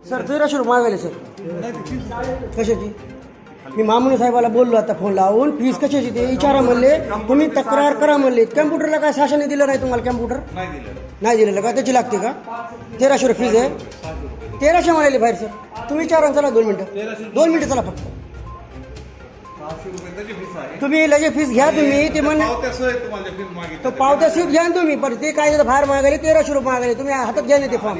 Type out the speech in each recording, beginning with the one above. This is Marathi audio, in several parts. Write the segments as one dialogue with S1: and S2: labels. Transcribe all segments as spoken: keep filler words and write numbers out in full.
S1: सर तेराशे रुपये मागायले सर. कशाची? मी मामुनी साहेबाला बोललो आता फोन लावून, फीस कशाची ते विचारा म्हणले, तुम्ही तक्रार करा म्हणले. कॅम्प्युटरला काय शासनाने दिलं नाही तुम्हाला? कॅम्प्युटर नाही दिलेलं का? त्याची लागते का? तेराशे रुपये फीज आहे. तेराशे म्हणाले बाहेर सर. तुम्ही विचारा चला दोन मिनटं दोन मिनटं चला फक्त. तुम्ही लगेच फीस घ्या तुम्ही. ते म्हण तो पावत्या सीट घ्या तुम्ही, पण ते काय बाहेर मागायले तेराशे रुपये मागायले. तुम्ही हातात घ्या ना ते फॉर्म.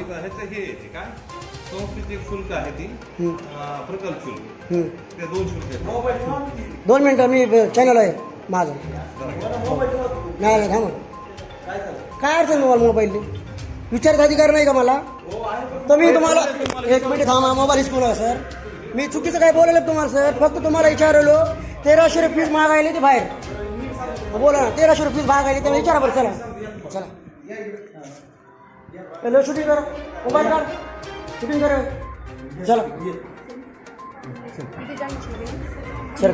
S2: शुल्क आहे ती प्रकल्प शुल्क ते दोन शुल्क.
S1: दोन मिनिटं मी चॅनल आहे माझं. नाही नाही थांबा. काय अडचण तुम्हाला मोबाईल विचारायचा अधिकार नाही का मला? तर मी तुम्हाला एक मिनिट थांबा. Mobile हिसकू sir. मी चुकीचं काय बोलले तुम्हाला सर? फक्त तुम्हाला विचारलो तेराशे रुपये फीस मागायले ते बाहेर. बोला ना, तेराशे रुपये फीस मागायले ते विचारा बरं. चला चला हॅलो, शूटिंग करा. मोबाईल काढ, शूटिंग करा. चला सर.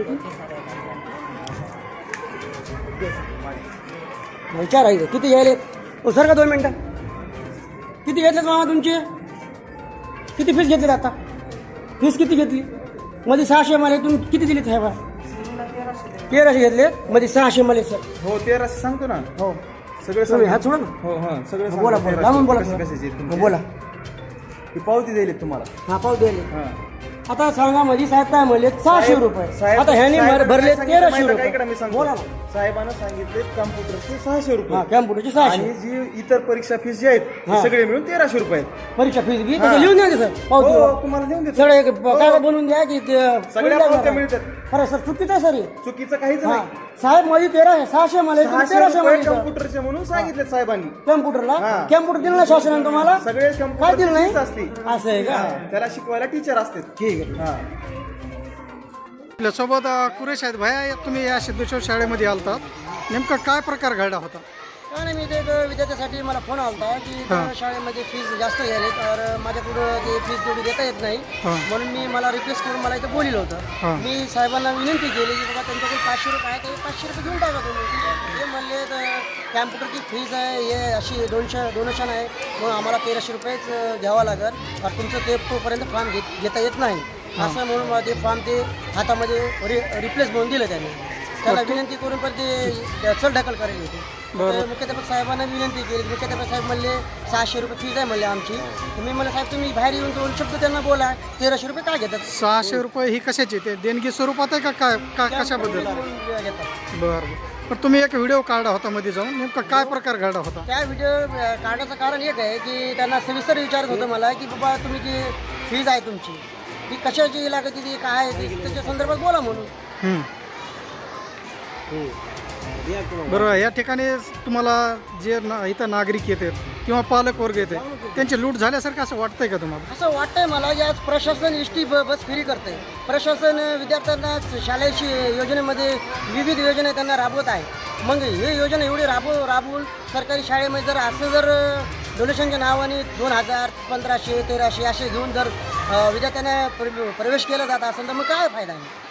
S1: विचारायचं किती घ्यायले? हो सर का दोन मिनटं. किती घेतलेत मामा तुमचे? किती फीस घेतलीत आता? फीस किती घेतली? मध्ये सहाशे मला तुम्ही किती दिलीत साहेबा? तेराशे घेतले मध्ये सहाशे मला सर.
S2: हो तेराशे सांगतो ना.
S1: हो
S2: सगळे
S1: तुम्ही हात सोडा ना.
S2: हो हां सगळे
S1: बोला बोला लांबून बोला.
S2: कशाची
S1: बोला.
S2: ती पावती दिली तुम्हाला.
S1: हा पाव दिले.
S2: हां
S1: आता सांगा मध्ये साहेब काय म्हणले? सहाशे रुपये. आता ह्याने भरले तेराशे रुपये. बोला ना.
S2: साहेबांना सांगितले कॉम्प्युटरचे सहाशे रुपये.
S1: हा कॅम्प्युटरची सहाशे
S2: आणि जी इतर परीक्षा फीस जी आहेत ते सगळे मिळून तेराशे रुपये आहेत.
S1: परीक्षा फीस बी तसं लिहून द्या सर. पावती
S2: हो तुम्हाला देऊन देतो.
S1: सगळे काय बनवून द्या की
S2: सगळ्या पावत्या मिळतात.
S1: खरं सर चुकीचं आहे सर.
S2: चुकीचं काहीच नाही.
S1: साहेब मध्ये तेरा सहाशे मला तेराशे मध्ये
S2: कॉम्प्युटरचे म्हणून सांगितले साहेबांनी.
S1: कॅम्प्युटरला कॅम्प्युटर दिलं ना शासनाने तुम्हाला?
S2: सगळे
S1: काय दिलं नाही
S2: असते.
S1: असं आहे का?
S2: त्याला शिकवायला टीचर असते.
S1: ठीक आहे.
S2: हा
S3: आपल्यासोबत कुरेश आहेत. भैया तुम्ही या सिद्धेश्वर शाळेमध्ये आलतात, नेमका काय प्रकार घडला होता?
S1: काय नाही, मी ते एक विद्यार्थ्यासाठी मला फोन आला होता की त्या शाळेमध्ये फीस जास्त घ्यायले, तर माझ्याकडं ते फीस जेवढी देता येत नाही, म्हणून मी मला रिक्वेस्ट करून मला इथं बोलिलं होतं. मी साहेबांना विनंती केली की बाबा त्यांच्याकडे पाचशे रुपये आहे, ते पाचशे रुपये घेऊन टाका तुम्ही. ते म्हणले तर कॅम्प्युटरची फीज आहे हे अशी दोनशे डोनेशन आहे, म्हणून आम्हाला तेराशे रुपयेच घ्यावा लागेल, तर तुमचं ते तोपर्यंत फॉर्म घेत घेता येत नाही असं म्हणून मला ते फॉर्म ते हातामध्ये रि रिप्लेस म्हणून दिलं त्यांनी. त्याला विनंती करून पण ते चल ढकल करायला होते. मुख्याध्यापक साहेबांना विनंती केली. मुख्याध्यापक साहेब म्हणले सहाशे रुपये फीज आहे म्हणले आमची. तुम्ही मला साहेब तुम्ही बाहेर येऊन दोन शब्द त्यांना बोला, तेराशे रुपये काय घेतात?
S3: सहाशे रुपये ही कशाची? ते देणगी स्वरूपात आहे का काय का कशाबद्दल?
S1: घेतात.
S3: बरं बरं. पण तुम्ही एक व्हिडिओ काढला होता मध्ये जाऊन, नेमका काय प्रकार घडला होता?
S1: त्या व्हिडिओ काढण्याचं कारण एक आहे की त्यांना सविस्तर विचारत होतं मला की बाबा तुम्ही जी फीज आहे तुमची ती कशाची लागत ती काय आहे त्याच्या संदर्भात बोला म्हणून.
S3: बरोबर. या ठिकाणी तुम्हाला जे ना इथं नागरिक येतात किंवा पालक वर्ग येते त्यांची लूट झाल्यासारखं असं वाटतंय का तुम्हाला?
S1: असं वाटतंय मला की आज प्रशासन एस टी बस फ्री करते. प्रशासन विद्यार्थ्यांना शालेय योजनेमध्ये विविध योजना त्यांना राबवत आहे. मग हे योजना एवढी राबव राबवून सरकारी शाळेमध्ये जर असं जर डोनेशनच्या नावाने दोन हजार पंधराशे तेराशे असे घेऊन जर विद्यार्थ्यांना प्रवेश केला जात असेल तर मग काय फायदा आहे?